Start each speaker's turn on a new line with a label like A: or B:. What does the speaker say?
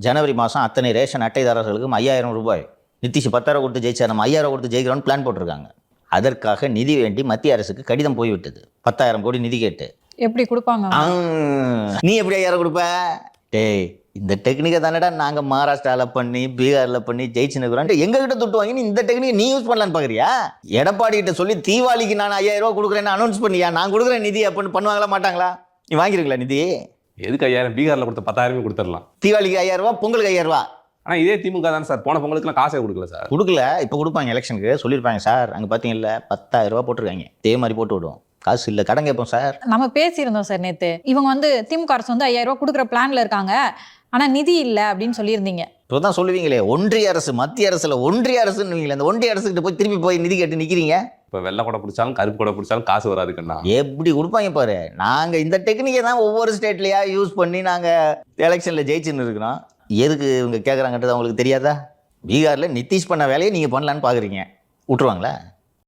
A: ஜனவரி மாதம் அத்தனை ரேஷன் அட்டைதாரர்களுக்கும் 5000 ரூபாய், நிதிஷ் 10,000 கொடுத்து ஜெயிச்சா நம்ம 5000 கொடுத்து ஜெயிக்கிறோன்னு பிளான் போட்டிருக்காங்க. அதற்காக நிதி வேண்டி மத்திய அரசுக்கு கடிதம் போய்விட்டது, 10,000 கோடி நிதி கேட்டு.
B: எப்படி கொடுப்பாங்க?
A: நீ எப்படி 5000 கொடுப்ப? டேய், இந்த டெக்னிக்கை தானடா நாங்கள் மகாராஷ்டிராவில் பண்ணி பீகாரில் பண்ணி ஜெயிச்சுன்னு எங்ககிட்ட துட்டு வாங்கி இந்த டெக்னிக் நீ யூஸ் பண்ணலான்னு பார்க்குறியா? எடப்பாடி கிட்ட சொல்லி தீபாவளிக்கு நான் 5000 ரூபா கொடுக்குறேன்னு அனௌன்ஸ் பண்ணியா? நான் கொடுக்குறேன் நிதி அப்படின்னு பண்ணுவாங்களா மாட்டாங்களா? நீ வாங்கிருக்கல நிதி?
C: எதுக்கு 5000? பீகாரில் கொடுத்த 10,000 கொடுத்துடலாம்.
A: தீபாவளிக்கு 5000 ரூபா, பொங்கலுக்கு 5000 ரூபா.
C: ஆனால் இதே திமுக தானே சார், போன பொங்கலுக்குலாம் காசே கொடுக்கல சார்.
A: கொடுக்கல, இப்போ கொடுப்பாங்க. எலெக்ஷனுக்கு சொல்லியிருப்பாங்க சார், அங்கே பார்த்தீங்கல்ல 10,000 ரூபா போட்டிருக்காங்க, இதே மாதிரி போட்டு விடுவோம். காசு இல்லை, கடன் கேட்போம் சார்.
B: நம்ம பேசியிருந்தோம் சார் நேற்று. இவங்க திமுக அரசு 5000 ரூபா கொடுக்குற பிளான்ல இருக்காங்க, ஆனால் நிதி இல்லை அப்படின்னு சொல்லியிருந்தீங்க.
A: இப்போ தான் சொல்லுவீங்களே ஒன்றிய அரசு மத்திய அரசுல ஒன்றிய அரசுன்னு, அந்த ஒன்றிய அரசுக்கிட்ட போய் திருப்பி போய் நிதி கேட்டு நிற்கிறீங்க.
C: இப்போ வெள்ளை கூட பிடிச்சாலும் கருப்பு கூட பிடிச்சாலும் காசு வராதுக்குண்ணா.
A: எப்படி கொடுப்பாங்க பாரு. நாங்கள் இந்த டெக்னிக்கை தான் ஒவ்வொரு ஸ்டேட்லையா யூஸ் பண்ணி நாங்கள் எலெக்ஷனில் ஜெயிச்சுன்னு இருக்கிறோம். எதுக்கு இவங்க கேட்குறாங்கன்றது அவங்களுக்கு தெரியாதா? பீகாரில் நிதிஷ் பண்ண வேலையை நீங்கள் பண்ணலான்னு பார்க்குறீங்க, விட்டுருவாங்களா?